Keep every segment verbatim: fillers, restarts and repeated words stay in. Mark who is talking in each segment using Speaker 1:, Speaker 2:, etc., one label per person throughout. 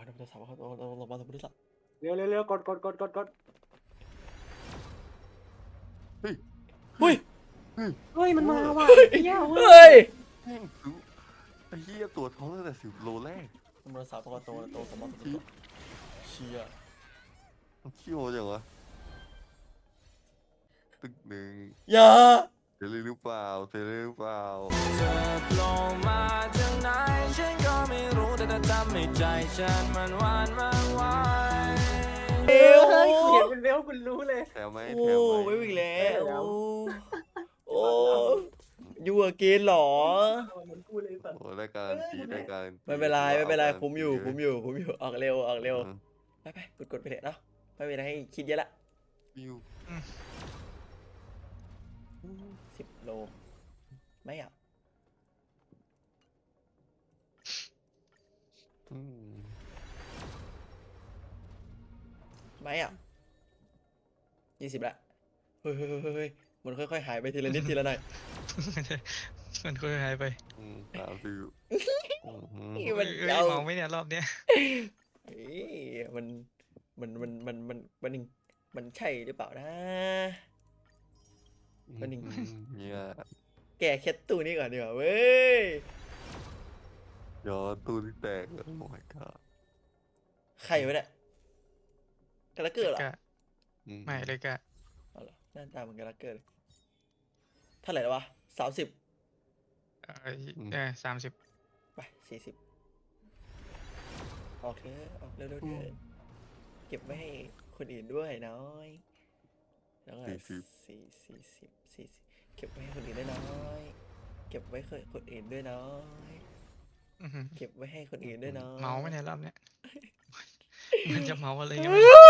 Speaker 1: นะโมตัสสะภะคะวะโตอะระหะโตสัมมาสัมพุทธัสสะ
Speaker 2: เร็วเร็วเร็วกดกดกดกดกด
Speaker 3: เฮ้ย
Speaker 1: เฮ้ย
Speaker 3: เฮ้ย
Speaker 2: เฮ้ยมันมาว่ะเฮีย
Speaker 1: เฮ
Speaker 2: เว้
Speaker 1: ้
Speaker 2: ย
Speaker 1: ย
Speaker 3: แม่งซื้อไอ้เหี้ยตัวท้องตั้งแต่สิบโลแรก
Speaker 1: นะโมตัสสะภะคะวะโตอะระหะโตสัมมาสัมพุทธัสสะเชี่ย
Speaker 3: มันขี้โมจังวะตึกหนึ่ง
Speaker 1: อย่า
Speaker 3: เทเลหรือเปล่าเทเลหรือเปล่า
Speaker 4: เธอโผล่มาจากไหนฉันก็ไม่รู้แต่เธอทำให้ใจฉันมันหวานมันไหว
Speaker 1: เอว
Speaker 2: เฮ้ยกูเห็นเป็นเวลคุณรู้เลย
Speaker 3: แถวไหม
Speaker 1: โอ้
Speaker 3: แถวไหม
Speaker 1: ไม่อีกแล้ว
Speaker 2: แถว
Speaker 1: โอ้ยูอเกนหรอ
Speaker 2: เหมือนกูเลยสัตว์
Speaker 3: โอ้ได้การตีได้การตี
Speaker 1: ไม่เป็นไรไม่เป็นไร
Speaker 3: อาการ
Speaker 1: คุ้มอยู่
Speaker 3: ตี
Speaker 1: คุ้มอยู่คุ้มอยู่ออกเร็วออกเร็ว
Speaker 3: ออ
Speaker 1: ไปไปกดกดไปเถอะเนาะไม่มีอะไรให้คิดเยอะละ
Speaker 3: วิว
Speaker 1: สิบโลไม่อ่ะ
Speaker 3: อืม
Speaker 1: ไม่อ่ะยี่สิบละเฮ้ยเฮ้ยเฮ้ยเฮ้ยมันค่อยๆหายไปทีละนิดทีละหน่อย
Speaker 5: มันค่อยหายไป
Speaker 3: อืมสามสิบอืมอืม
Speaker 1: นี่มัน
Speaker 5: เอ้ย
Speaker 1: เอา
Speaker 5: เมาไหมเนี่ยรอบเนี้ย
Speaker 1: เอ้ยมันมันมันมันมันมันมันใช่หรือเปล่านะ มันหนึ่ง
Speaker 3: อืมเนี่ย
Speaker 1: แกะแคทตู้นี้ก่อนดีกว่าเว้ย
Speaker 3: ย้อนตู้ที่แตกโอ้ my god
Speaker 1: ใครวะเนี่ยกาลาเกอร์เหรอ
Speaker 5: กะ
Speaker 3: อื
Speaker 5: ไม่เลยกะ
Speaker 1: เอาเหรอหน้าตาเหมือนกาลาเกอร์เลยเท่าไหร่แล้ววะสามสิบ
Speaker 5: เออเออสามสิบ
Speaker 1: ไปสี่สิบออกเถอะออกเร็วๆเถอะเก็บไว้ให้คนอื่นด้วยน้อยแล้วก็สี่สี่สิบสี่สิบเก็บไว้ให้คนอื่นด้วยน้อยเก็บไว้ให้คนอื่นด้วยน้อย
Speaker 5: อื้อหือ
Speaker 1: เก็บไว้ให้คนอื่นด้วยน้อย
Speaker 5: เมาไหมเนี่ยรอบเนี้ย มันจะเมาอะไรกัน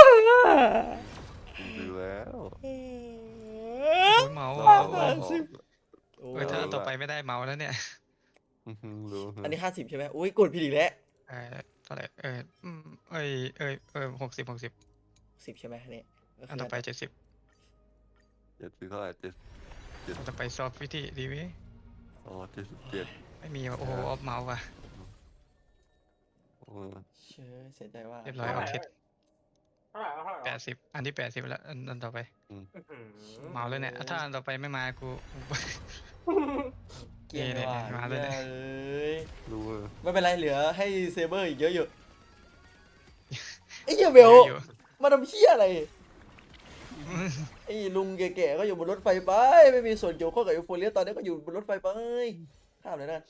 Speaker 3: ดูแล้ว
Speaker 5: โอ้ยเมา
Speaker 3: เรา
Speaker 5: เมา
Speaker 3: เรา
Speaker 5: เมา
Speaker 1: สิบ โอ้
Speaker 5: เออถ้าต่อไปไม่ได้เมาแล้วเนี่ย
Speaker 3: อือหือรู้
Speaker 1: อันนี้ห้าสิบใช่ไหมอุ้ยกดผิดอีกแล้ว
Speaker 5: เออเท่าไหร่เอออืมเอ้ยเอ้ยเออหกสิบหกสิบ
Speaker 1: สิบใช่ไหมเนี่ยก็
Speaker 5: อัน
Speaker 1: คื
Speaker 5: ต่อไปเจ็ดสิบ
Speaker 3: เจ็ดสิบเท่าไหร่เจ็ด
Speaker 5: อันต่อไปซอฟต์วิธีดีไหม
Speaker 3: อ๋อเจ็ดสิบเจ็ด
Speaker 5: ไม่มีว่ะโอ้โหออฟเมาว่ะ
Speaker 3: โอ้
Speaker 1: เชื่อเสียใจว่า
Speaker 5: เรียบร้อยออฟเทส
Speaker 2: เท่าไหร่เท่าไหร่
Speaker 5: แปดสิบอันที่แปดสิบแล้วอันอันต่อไป
Speaker 2: อื้อหือ
Speaker 5: เมาแล้วเนี่ยถ้าอันต่อไปไม่มากู
Speaker 1: เกลียดเลยว่ะ
Speaker 5: นี่ๆมาแล้วเนี่ย
Speaker 1: เอ้ย
Speaker 3: รู้ว่า
Speaker 1: ไม่เป็นไรเหลือให้เซเบอร์อีกเยอะอยู่ไอ้เหี้ยเบล
Speaker 5: อยู่
Speaker 1: มาทำเหี้ยอะไรไอ้ลุงแก่ๆก็อยู่บนรถไฟไปไม่มีส่วนเกี่ยวข้องกับยูโฟเรียตอนนี้ก็อยู่บนรถไฟไปข้ามเลยนะ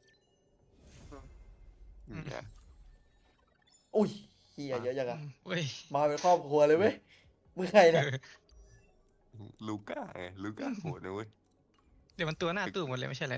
Speaker 3: เนี่ย
Speaker 1: อุ้ยเหี้ยเยอะจังอะ
Speaker 5: เว้ย
Speaker 1: มาเป็นครอบครัวเลยเว้ยมึงใครเนี่ย
Speaker 3: ลูก้าไงลูก้าโหดนะเว้ย
Speaker 5: เดี๋ยวมันตัวหน้าตู้หมดเลยไม่ใช่เหรอ